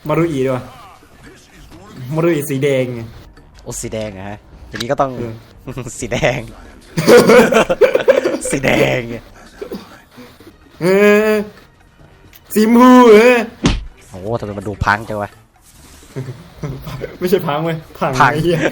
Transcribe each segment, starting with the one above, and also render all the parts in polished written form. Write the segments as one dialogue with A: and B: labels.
A: มารุอีด้วยมารุอีสีแดงไง
B: โอ้สีแดงอะฮะอย่างนี้ก็ต้อง สีแดง สีแดง
A: เออสีมพู
B: โอ้ทำไมมันดูพังจังวะ
A: ไม่ใช่พังเว้ยพัง
B: พัง
A: ไอ้เหี้ย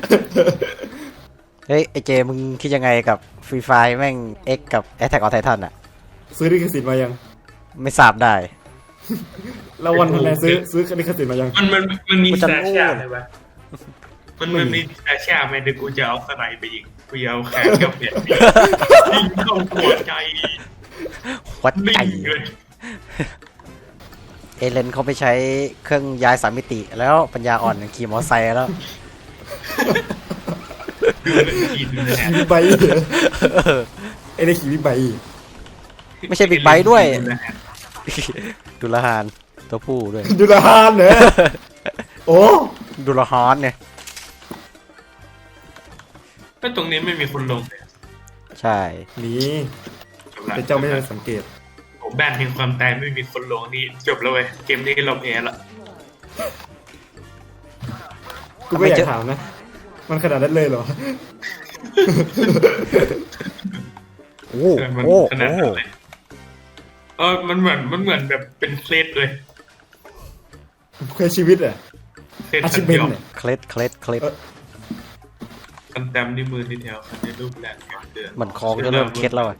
B: เฮ้ยไอเจมึงคิดยังไงกับฟรีไฟแม่ง X กับ Attack on Titan อะ
A: ซื้อลิขสิทธิ์มายัง
B: ไม่ทราบได้
A: แล้ววันทันแลซื้อลิขสิทธิ์มายัง
C: มันมี
B: กูจะ
C: แฟ
B: โง่
C: ชั่นเลยปะมันมีแฟชั่นไหมเดี๋ยวกูจะเอาสไนไปยิงกูจะเอาแขนกับเพียยิงเข้าหัวใจ
B: วัดใจ
C: นิ่งเลย
B: เอเลนเขาไปใช้เครื่องย้ายสามมิติแล้วปัญญาอ่อนขี่มอเตอร์ไซค์แล้ว
C: ดูเลยกินเลย
A: ขี่บิ๊กไบค์ไอ้ได้ขี่บิ๊กไบค์
B: ไม่ใช่บิ๊กไบค์ด้วย ดุลหานตัวผู้ด้วย
A: ดูละฮานเหรอโอ้
B: ดุลฮอนเนี่ย
C: ก็ตรงนี้ไม่มีคนลงเลย
B: ใช่
A: นี่แต่เจ้าไม่ได้สังเกต
C: ผมแบนแห่งความตายไม่มีคนลงนี่จบแล้วเว้ยเกมนี้เราแพ้ละ
A: กูก็อยากถามนะ มันขนาดนั้นเลยเหรอ
B: โอ้
C: มัน
B: โอ้
C: ขนาด
B: โอ้
C: นั้นเลยมันเหมือนแบบเป็นเคล็ดเลย
A: เคยชีวิตอ่ะ
C: เคล็ด
A: อา
C: สั
A: ชี
C: ญ
A: พเป็น
C: ญา
A: เนี่ย
B: เคล็ดเคล็ดเคล็ด
C: คันแต้มนิ้วมือที่แถวในรูปแรงเดือน
B: เหมือนคองจะเริ่มเคล็ดแล้วอะ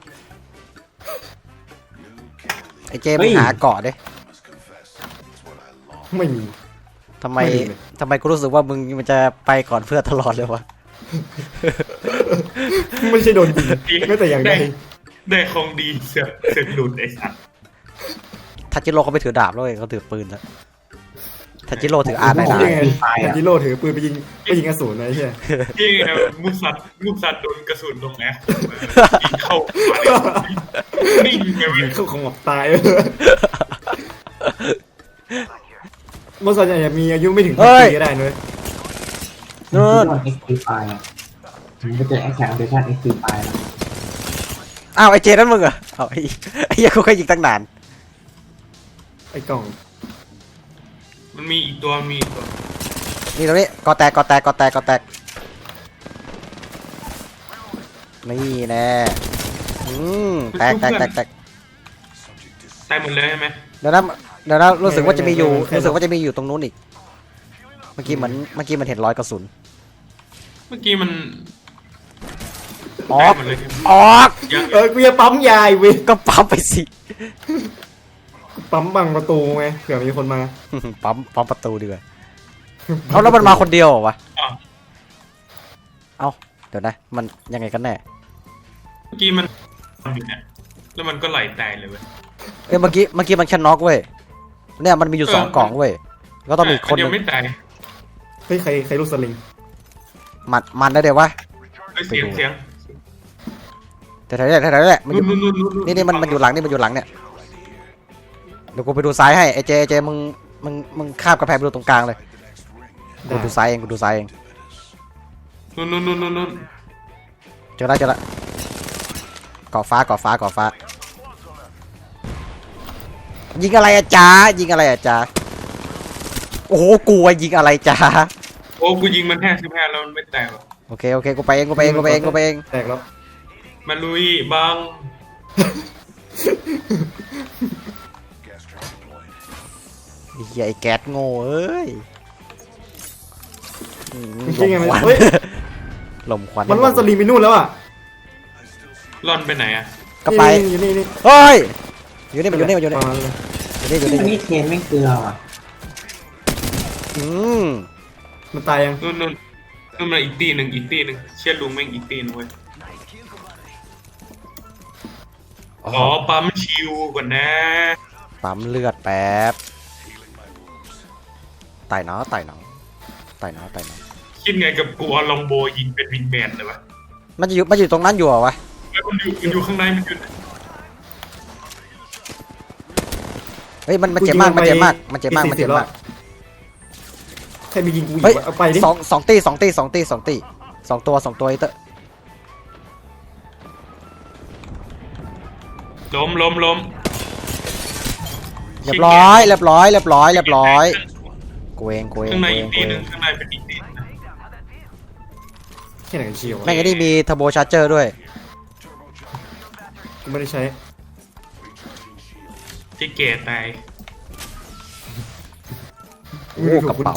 B: ไอเจมึงหาเกาะดิ
A: ไม่มี
B: ทำไม
A: ไม่ดีเลย
B: ทำไมกูรู้สึกว่ามึงมันจะไปก่อนเพื่อนตลอดเลยวะ
A: ไม่ใช่โดนยิงไม่แต่อย่างใด
C: ได้ของดีเสือกหลุดไอ้สัส
B: ทัจิโร่เขาไปถือดาบแล้วเว้ยเขาถือปืนแล้วทัจิโร่ถืออาร์ไน
A: ยัง
B: ได้
A: ไงทันจิโร่ถือปืนไปยิงอสูรนะไอ้เหี้ย
C: ที่ไงมุสัตว์โดนกระสุนลงแอฟยิงเข้านิ่งไงเว้ย
A: เข้าของหมอบตายเมื่อส่วนใหญ่มีอายุไม่ถึง10 ปีก็ได้นะเว้ย
B: นู่น
D: เอ็กซ์ตีไฟอ่ะผมไปเจอแอคชั่นเดชั่นเอ็กซ์ตีไฟแล้ว
B: อ้าวไอเจนั่นมึงเหรอเอาไอ้เหี้ยกูเคยยิงตั้งนาน
A: ไอ้กล่อง
C: มันมีอีกตัวมีอีกตัว
B: นี่ตรงนี้กอแตกกอแตกกอแตกกอแตกนี่แน่แตกแตกแตกแตก
C: ตายหมดเลยใช่ไหม
B: เดี๋ยวนะรู้สึกว่าจะมีอยู่ตรงนู้นอีกเมื่อกี้มันเห็นรอยกระสุน
C: เมื่อกี้มัน
B: ออก
C: ตายหมดเลยใช่ไหม
B: ออก
C: ยัง
A: กูจะปั๊มยายเว้ย
B: ก็ปั๊มไปสิ
A: ปั๊มบังประตูไงเผื่อมีคนมา
B: ปั๊มประตูดีกว่าเอาแล้วมันมาคนเดียวเหรอวะ
C: อ๋อ
B: เอาเดี๋ยวนะมันยังไงกันแน่
C: เมื่อกี้มันอยู่เนี่ยแล้วมันก็ไหลตายเลยเว้ย
B: เอ้ยเมื่อกี้มันแค่น็อกเว้ยเนี่ยมันมีอยู่2 กล่องเว้ยก็ต้องมีคน
C: น
B: ห
C: ยั
B: นึ่
C: ง
B: ง
C: ไม่ตาย
A: เฮ้ยใครลูกสลิง
B: มันได้เดี๋ยววะ
C: เฮ้ยเสียง
B: แถวๆนี้แหละมันอยู่
C: นู่น
B: นี่มันอยู่หลังนี่มันอยู่หลังเนี่ยเดี๋ยวกูไปดูซ้ายให้ไอเจมึงข้ามกระแพงไปดูตรงกลางเลยกูดูซ้ายเอง
C: นู่น
B: เจอแล้วเกาะฟ้ายิงอะไรอะจ๊ะโอ้โหกูยิงอะไรจ๊ะ
C: โอ้กูยิงมันแค่15แล้วมันไม่ตายหรอก
B: โอเคกูไปเอง
A: แตกแล้ว
C: มาลุยบัง
B: เฮียไอ้แก๊สโง่เอ้ย
A: จริงไงมันเฮ้ย
B: ลมควัน
A: มันว่าสลิงไปนู่นแล้วอ่ะ
C: ร่อนไปไหนอะ
B: ก็ไป
A: อยู่นี่
B: เฮ้ยอยู่นี่
A: ประมาณเลย
D: อันนี้เทนไม่เกลืออ่ะ
B: อืม
A: มันตายยัง
C: นู่นมาอีกตีหนึ่งเชี่ยลุงแม่งอีกตีหนึงเว้ย
B: อ๋อ
C: อ๋อปั๊มชิวก่อนนะ
B: ปั๊มเลือดแป๊บไต่หนอ
C: คิดไงกับกูเอาลองโบยิงเป็นวิงแมนเลยวะ
B: มันอยู่ตรงนั้นอยู่เหรอวะ
C: มันอยู่ข้างในมันอยู่
B: เฮ้ยมันเจ็บมาก
A: ใครมียิงกูอีก
B: เฮ้ยว
A: ะเอาไปดิ
B: สองตี2 ตัวไอ้เตอ
C: ล้ม
B: เรียบร้อยกูเอง
C: ข้างในอีกตีหนึ่งข้างในเป็นอีกตีนึง
A: แค่ไหนกันเชียว
B: แม่งไอ้นี่มีเทอร์โบชาร์เจอร์ด้วย
A: กูไม่ได้ใช้
C: ที่เก๋ตาย
A: กูไม่ได้ถูกคุณแก่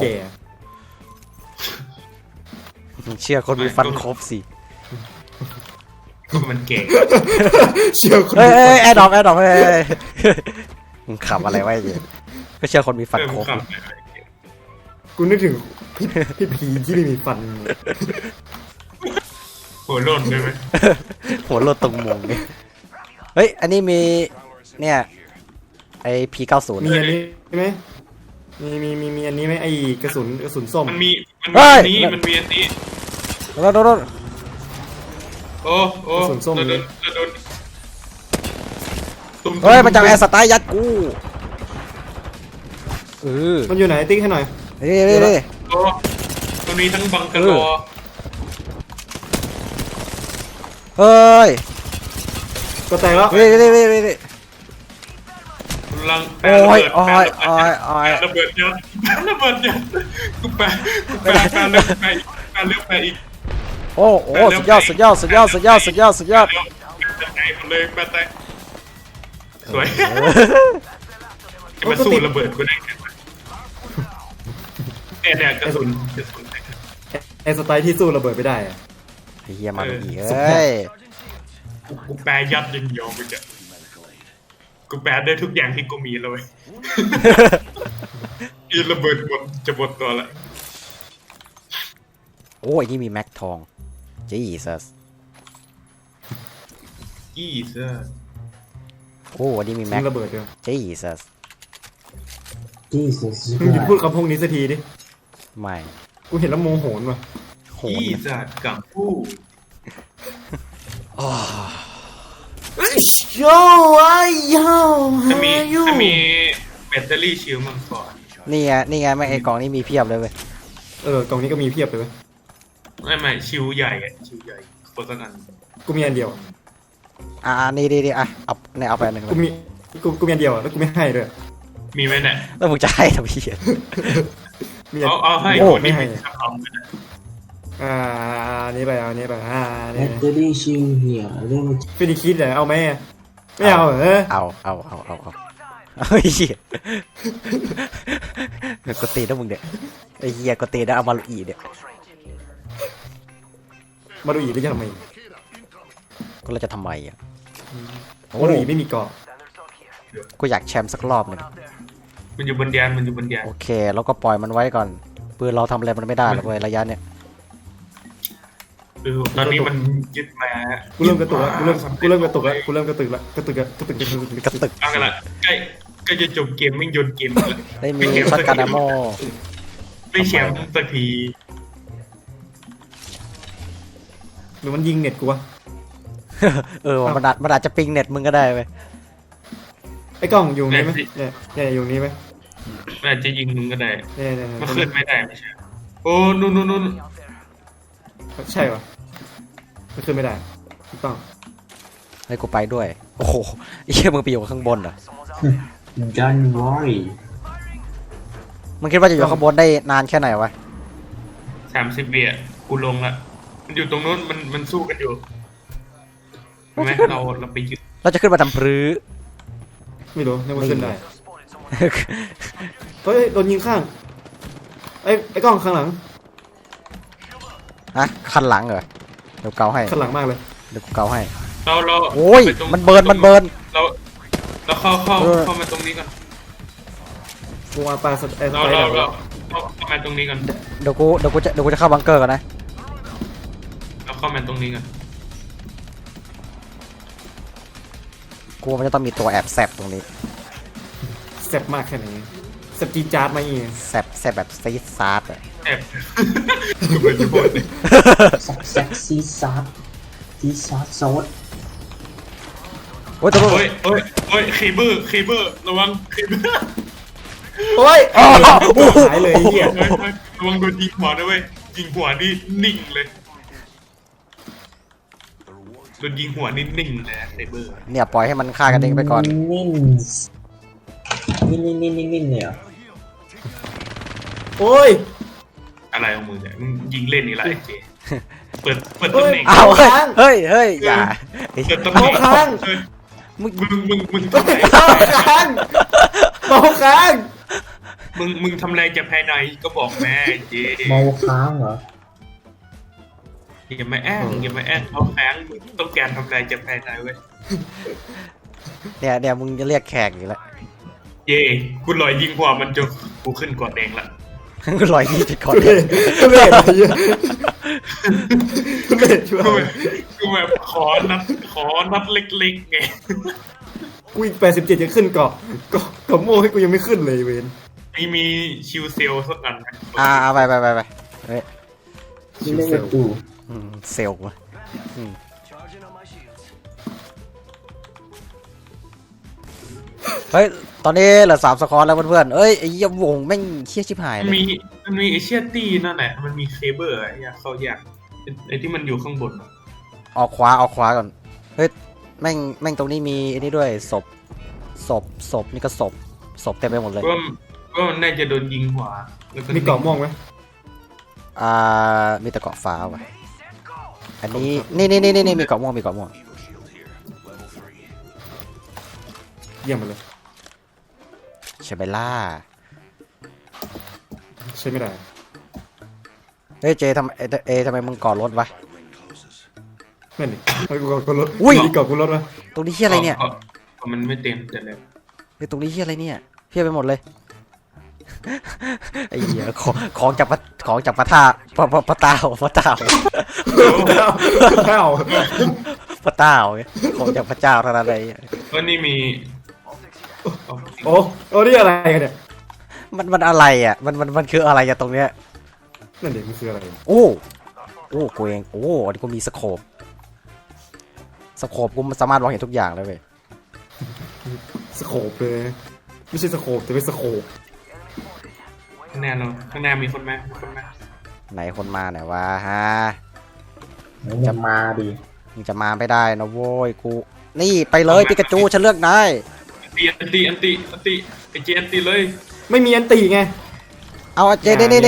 B: มึงเชื่อคนมีฟันครบสิ
C: ก็มันเก๋
A: เชื่อคน
B: เฮ้ยแอร์ดรอปเฮ้ยมึงขับอะไรไว้เนี่ยก็เชื่อคนมีฟันครบ
A: กูนึกถึงพี่ผีที่ไม่มีฟัน
C: หัวโล่นได้ไหม
B: หัวโลดตรงมุมนี่เฮ้ยอันนี้มีเนี่ยไอP90
A: มีอันนี้ไหมมีอันนี้ไหมไอ้กระสุนส้ม
C: มันมีอันนี้มันมีอันนี้
B: โดน
C: โอ้โดน
B: เฮ้ยมันจะแอร์สไตล์ยัดกู
A: มันอยู่ไหนติ๊กให้หน่อย
B: นี่
C: โอ้มันมีทั้งบังกะโล
B: เฮ้ย
A: ก็แตกแล้ว
B: นี่
C: ลัง
B: โอ้ย
C: ระเบิดเยอะกูแปลเลือกไปอีก
B: โอ้สุดยอดแปล
C: สวยจะมาสู้ระเบิดกูได้ไงเนี่ยกระสุน
A: ไอ้สไตล์ที่สู้ระเบิดไม่ได้อะ
B: เฮียมาอีกเฮ้ย
C: กูแปลยัดยินยอมไปจ้ะกูแปลได้ทุกอย่างที่กูมีเลยอีระเบิดหมดจะหมดตัวละ
B: โอ้ยนี่มีแม็กทองJesus โอ้นี่มีแม็ก
A: ระเบิดเดียว
B: Jesus
D: ที่สุด
A: มึงหยุดพูดคำพวกนี้สักทีดิ
B: ไม่
A: กูเห็นแล้วโมโหนว่ะ
B: โห
C: ยี่จัดกับผู้
A: โย่ไอ้ย่า
C: จะมีแบตเตอรี่ชิลมังกร
B: นี่ไงแม่งไอ้กล่องนี่มีเพียบเลยเว้ย
A: กล่องนี้ก็มีเพียบเลยเว้ย
C: ไม่ชิลใหญ่ชิลใหญ่โคตรกัน
A: กูมีอันเดียว
B: นี่เอาไปอันหนึ่งเล
A: กู
B: ย
A: มีอันเดียวแล้วกูไม่ให้ด้วย
C: มีไหมเนี่ย
B: แล้วมึงจะให้ทำไม
A: มีอัน
C: เอาให้
A: โอ้
C: คน
A: ไม่
C: ที่
A: ให้
C: มีทำเลยนะ
A: อันนี้ไปอันนี้ไป
D: แบ
A: นี่
D: ตเตอรี่ชิลเหี่ยวเรื่อง
A: ฟินิคิดเหรอเอาไหมไม่เอาเหรอ
B: เอาเฮ้ยเหี้ยกดตีนะมึงเนี่ยไอ้เหี้ยกดตีนะเอามาลุอีเนี่ย
A: มาดูอีกได้ยังทำไม
B: ก็เราจะทำไมอ่ะ
A: มาดูอีกไม่มีเกาะ
B: กูอยากแชมป์สักรอบหนึ่ง
C: มันอยู่บนยาน
B: โอเคแล้วก็ปล่อยมันไว้ก่อนปืนเราทำอะไรมันไม่ได้หรอกเว้ยระยะเนี่ย
C: ตอนนี้มันยึดมา
A: กูเริ่มกระตุกแล้วกูเริ่มกระตุกแล้วกระตุก
C: เอากันละใกล้จะจบเกมไม่ยนเกม
B: ได้มีช็อตกันอะโม
C: ไม่แชมป์สักที
A: หรือมันยิงเน็ตกูวะ
B: มันอาจจะปิงเน็ตมึงก็ได้เว้ย
A: ไอ้กล้องอยู่นี้ไหมเนี่ยอยู่นี้ไหม
C: อาจจะยิงมึงก็ได้
A: เนี่ย
C: มันขึ้นไม่ได้ไม่ใช่โอ้นู่น
A: ใช่ปะมันขึ้นไม่ได้ถูกต้อง
B: ให้กูไปด้วยโอ้โหไอ้เหี้ยมึงไปอยู่ข้างบนเหรอ
D: ดันวอร์
B: มึงคิดว่าจะอยู่ข้างบนได้นานแค่ไหนวะ
C: 30 วิกูลงละมันอยู่ตรงนู้นมันสู้กันอยู่ใช่ไหมเราไปยึด
B: เราจะขึ้นมาทำพรื้
A: ไม่รู้นึกว่าขึ้นได้เฮ้ยโดนยิงข้างไอ้กล้องข้างหลัง
B: ฮะคันหลังเหรอเดี๋ยวเกาให้
A: ข้างหลังมากเลย
B: เดี๋ยวกูเกาให้
C: เรา
B: โอ้ยมันเบิร์น
C: เราเข้ามาตรงนี้ก่อน
A: กูมาปลาไอ้ส
C: เรา
A: ไปเดอร์
C: เข้ามาตรงนี้ก่อน
B: เดี๋ยวกูจะเข้าบังเกอร์ก่อนนะ
C: เราเข้ามาตรงนี้ก่อน
B: กูมันจะต้องมีตัวแอบแซบตรงนี้
A: แซ่บมากแค่ไหนแซ่บจีจาร์ดมาอีก
B: แซบแบบซีดซาร์ดอะ
C: แอบกูเป็นจะพูดเลย
D: แซ็กซี่ซัดที่ซัดโซด
B: โอ้ยตัว
C: โอ้ยเคเบิลระวังเคเบิล
A: โอ้ยหายเลยเหี้ย
C: ระวังโดนยิงหัวนะเว้ยยิงหัวนี่นิ่งเลยโดนยิงหัวนี่นิ่งเลยเคเบิล
B: เนี่ยปล่อยให้มันฆ่ากันเองไปก่อน
D: นิ่งเลยเหรอ
A: โอ้ย
C: อะไรของมึงเนี่ยมึงยิงเล่นนี่แหละไอ้เจเปิด
A: เฮ้
C: ตำ
A: ย
C: แหน่ง
B: เอา
A: เค้าง
B: เฮ้ยอย่า
C: เปิดตำแหน่ง
A: เมาค้าง
C: เออมึงทำไร
A: เมาค้างเมาค้าง
C: มึงทำอะไรจากภายในก็บอกแม่ไอ้เจ
D: เมาค้างเหรอ
C: อย่ามาแอ้งเอาแข้งมึงต้องการทำอะไรจากภายในเว้ย
B: เนี่ยมึงจะเรียกแขกอยู่แล้ว
C: เย่กูลอยยิงหัวมันจนกูขึ้นกอดแดงละ
B: ลอยนี่ไปก่อน
A: ทุเรศอะไรเงี้ยทุเรศช่วย
C: กูแบบขอนัดเล็กๆไง
A: กูอีก87จะขึ้นเกาะโม่ให้กูยังไม่ขึ้นเลยเวน
C: มีชิวเซลสักอันไหม
B: ไปเฮ้ย
D: ที่เล่นกับกู
B: เซลล์วะเฮ้ยตอนนี้เหลือ3 สกอร์แล้วเพื่อนๆเอ้ยไอ้เหี้ยวงแม่งเชี่ยชิบหายเลย
C: มันมีเอเชียตี้นั่นแหละมันมีเคเบิลอะอยากเข้ายากไอ้ที่มันอยู่ข้างบนอะ
B: ออกขวาก่อนเฮ้ยแม่งตรงนี้มีไอ้นี่ด้วยศพนี่ก็ศพเต็มไปหมดเลย
C: ก็มันน่าจะโดนยิงหัวแล้ว
A: มีเกาะม่วงไหม
B: มีแต่เกาะฟ้าว่ะอันนี้นี่มีเกาะม่วง
A: เยี่ยมไปเลย
B: ใช่ไหมล่ะ
A: ใช้ไม่ได้
B: เฮ้ยเจทำไมมึงก่อรถวะ
A: นั่นดิให้กูกดรถ
B: อุ้ย
A: มีเกาะกูรถวะ
B: ตรงนี้เฮียอะไรเนี่ย
C: มันไม่เต็มแต่แล้ว
B: เฮ้ยตรงนี้เฮียอะไรเนี่ยเพี้ยไปหมดเลย ไอ้เหี้ยของจากพระธาตุพระเต้า
A: ข้าว
B: พระเต้าของจากพระเจ้าเท่านั้นเลย
C: ก็นี่มี
A: โอ้นี่อะไรกันเนี่ย
B: มันอะไรอ่ะมันคืออะไรอะตรงเนี้ย
A: นั่นดิมันคืออะไร
B: โอ้กูเองอันนี้กูมีสโคปกูสามารถมองเห็นทุกอย่างเลยเว้ย
A: สโคปเลยไม่ใช่สโคปแต่เป็นสโคป
C: ข้างหน้ามีคนไหม
B: ไหนคนมาไหนวะฮะ
D: จะมาดิ
B: มึงจะมาไม่ได้นะโว้ยกูนี่ไปเลยปิกาจูฉันเลือกนาย
C: อันตีไอเจอันตีเลย
A: ไม่มีอันตีไง
B: เอาเจนี่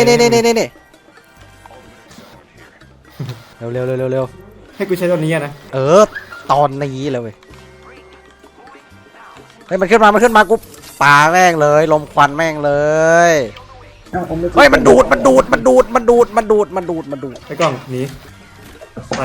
B: เร็ว
A: ให้กูใช้ตอนนี้อะนะ
B: ตอนนี้เลยเว้ยเฮ้ยมันขึ้นมากูปาแม่งเลยลมควันแม่งเลย เฮ้ยมันดูด
A: ไอ้กล้องหนีไป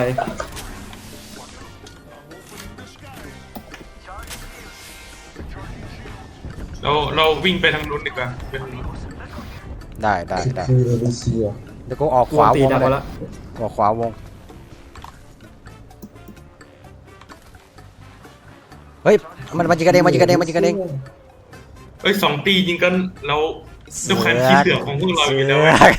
C: เราวิ่งไปทางนู้นดีกว่าเป็น
B: ได้
D: คือเอเชีย
B: เดี๋ยวกูออก
A: กู
B: ขวา
A: ตี
B: วง
A: ดับ
B: เลย
A: แล้ว
B: ออกขวาวงเฮ้ยมันยิงกระเด้ง
C: เอ้ย2 ตียิงกันเราดูคันขี้เสือกของพวกเราอยู่แล้ว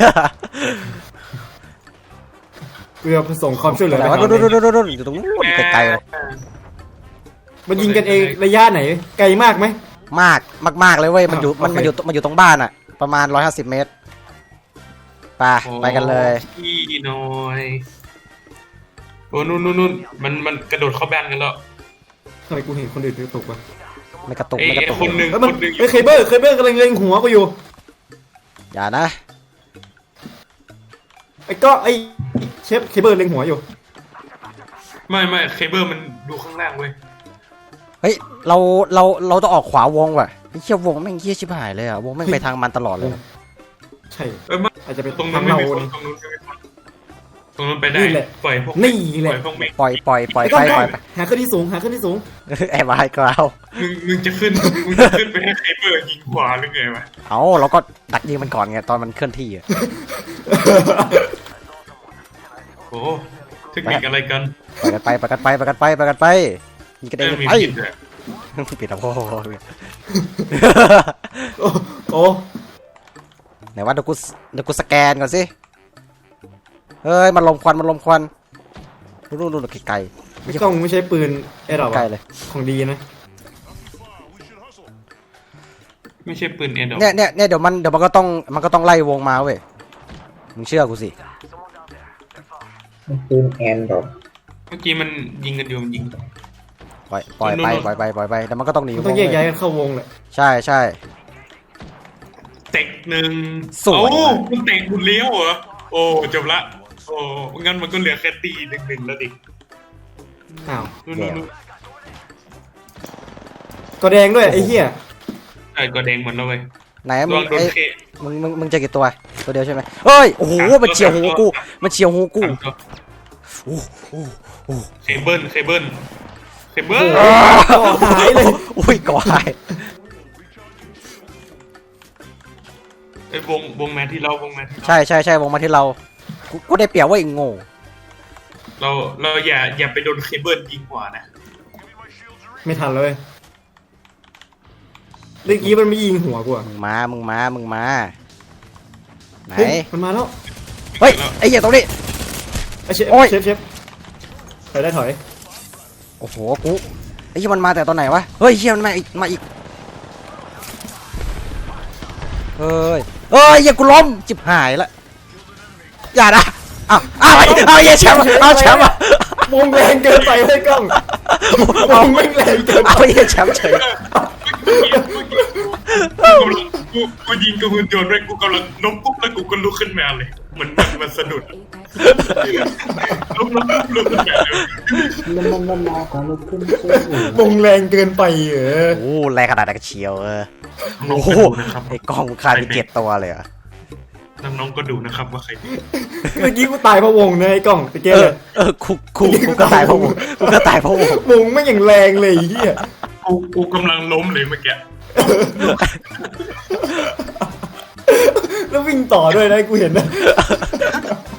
A: กูจะส่งความช่วยเหลือไป
B: แต่ว่า
A: หา
B: ดูอยู่ตรงนู้นไกลๆเลย
A: มันยิงกันเองระยะไหนไกลมากไหม
B: มากเลยเว้ยมันอยู่
A: โอเค
B: มันอยู่ตรงบ้านอะประมาณ150 เมตรไปกันเลย
C: ขี้น้อยโอ้นู่นมันกระโดดเข้าบ้านกันแล้ว
A: ทำไมกูเห็นคนอื่นกระตุกวะ
B: ไม่กระตุก
C: ไอ้
B: ไม่กระตุก
C: คนหนึ่ง
A: เอ้ยมันเอ้ยเคเบิลกำลังเล็งหัวกูอยู่
B: อย่านะ
A: ไอ้ก็ไอ้เชฟเคเบิลเล็งหัวอยู่
C: ไม่เคเบิลมันดูข้างล่างเว้ย
B: เฮ้ยเราต้องออกขวาวงว่ะไอ้เชี่ยวงแม่งเชี่ยชิบหายเลยอะวงแม่งไปทางมันตลอดเลย
A: ใช่
C: ไม่
A: อาจจะเป็น
C: ตรง
A: ทา
C: นู้
A: ง
C: นไม่
A: เรา
C: มีคน
A: เนี่ย
C: ตรงนู้นไปได้
A: นี่แหละ
C: ปล่อยพวก
A: นี่แหละ
C: ปล่อยพวกเมฆ
B: ปล่อย
A: ไอ้
B: ไป
A: กล้อง
B: ไป
A: หาขึ้นที่สูง
B: แอบมาให้กราว
C: มึงจะขึ้นไปให้เคเบิลยิงขวาหรือไงวะ
B: เอาเราก็ดักยิงมันก่อนไงตอนมันเคลื่อนที่อะ
C: โอ้เทคนิคอะไรกัน
B: ไปกันไปยิงกันเอง
C: มี
B: ไป
C: ผิดเลย
B: ปิดอ่ะพ่อ
A: โอ้
B: ไหนว่าเดี๋ยวกูสแกนก่อนสิเฮ้ยมันลมควันนู่นไกล
A: ไอ้กล้องไม่ใช่ปืนไอ้ดอก
B: ใกล้เลย
A: ของดีนะ
C: ไม่ใช่ปืนเอ็นดอก
B: เนี่ยเดี๋ยวมันก็ต้องไล่วงมาเว้ยมึงเชื่อกูสิ
D: มันปืนแอนดรอป
C: เมื่อกี้มันยิงกันอยู่มันยิง
B: ปล่อยไปแล้วมันก็ต้องหนี
A: มัน
B: ว
A: ต้อง
B: ง
A: แยกย้าย
B: เว้ย
A: กันเข้าวงแหละ
B: ใช่
C: เต็กหนึ่ง
B: สวย
C: โอ้คุณแต่งคุณเลี้ยวเหรอโอ้จบละโอ้งั้นมันก็เหลือแค่ตีหนึ่งแล้วดิ
A: อ้าว
C: นู่น
A: ก็แดงด้วยไอ้เหี้ย
C: ไอ้ก็แดงหมดแล้วเว้ย
B: ไหน
C: ล
B: มึ
C: อง งโดน
B: ไอ้
C: เค
B: มึงเจอกี่ตัวตัวเดียวใช่ไหมเฮ้ยโอ้โหมันเฉียวหูกูมันเฉียวหูกูโอ้โห
C: เคเบิล
A: ก็หายเลย
B: อุ้ยก่อหาย
C: ไอ้วงแมนที่เราวงแมนที่
B: ใช่วงมาที่เรากูได้เปรียบว่าไอ้โง่
C: เราอย่าไปโดนเคเบิลยิงหัวนะ
A: ไม่ทันเลยเมื่อกี้มันไม่ยิงหัวกูอะ
B: มึงมาไหน
A: เฮ้ยมันมาแล้ว
B: เฮ้ยไอ้เหี้ยตรงนี้
A: ไอ้เชฟ
B: โอ้ย
A: เชฟถอยได้ถอย
B: โอ้โหกูไอ้เหี้ยมันมาแต่ตอนไหนวะเฮ้ยเหี้ยมันมาอีกเฮ้ยเหี้ยกูล้มจิบหายละอย่านะเอาเหี้ยแชมป์เอาแชมป์อ่ะ
A: วงแรงเกินไปไอ้กล้องวงไม่งแรงเกินไป
B: เอาเหี้ยแชมป์เฉย
C: กูยิงกับหุ่นยนต์ด้วยกูกำลังล้มปุ๊บแล้วกูก็ลุกขึ้นมาเลยเหมือนมันสะดุดล้มลุกขึ้นมาเลย
D: มันมาขอลุกขึ้นเชื่อ
A: วงแรงเกินไป
B: โอ้แรงขนาดนั้นก็เชียวโอ้โหไอ้กล้องฆ่าไป7 ตัวเลยอ่ะ
C: น้องๆก็ดูนะครับว่าใคร
A: เมื่อกี้กูตายเพราะวงนะไอ้กล้องตะเกียบ
B: กูก็ตายเพราะวงกูก็ตายเพราะวง
A: วงไม่งอย่างแรงเลยไอ้เหี้ย
C: กูกำลังล้มเลยเมื่อกี้
A: แล้ววิ่งต่อด้วยนะกูเห็นนะ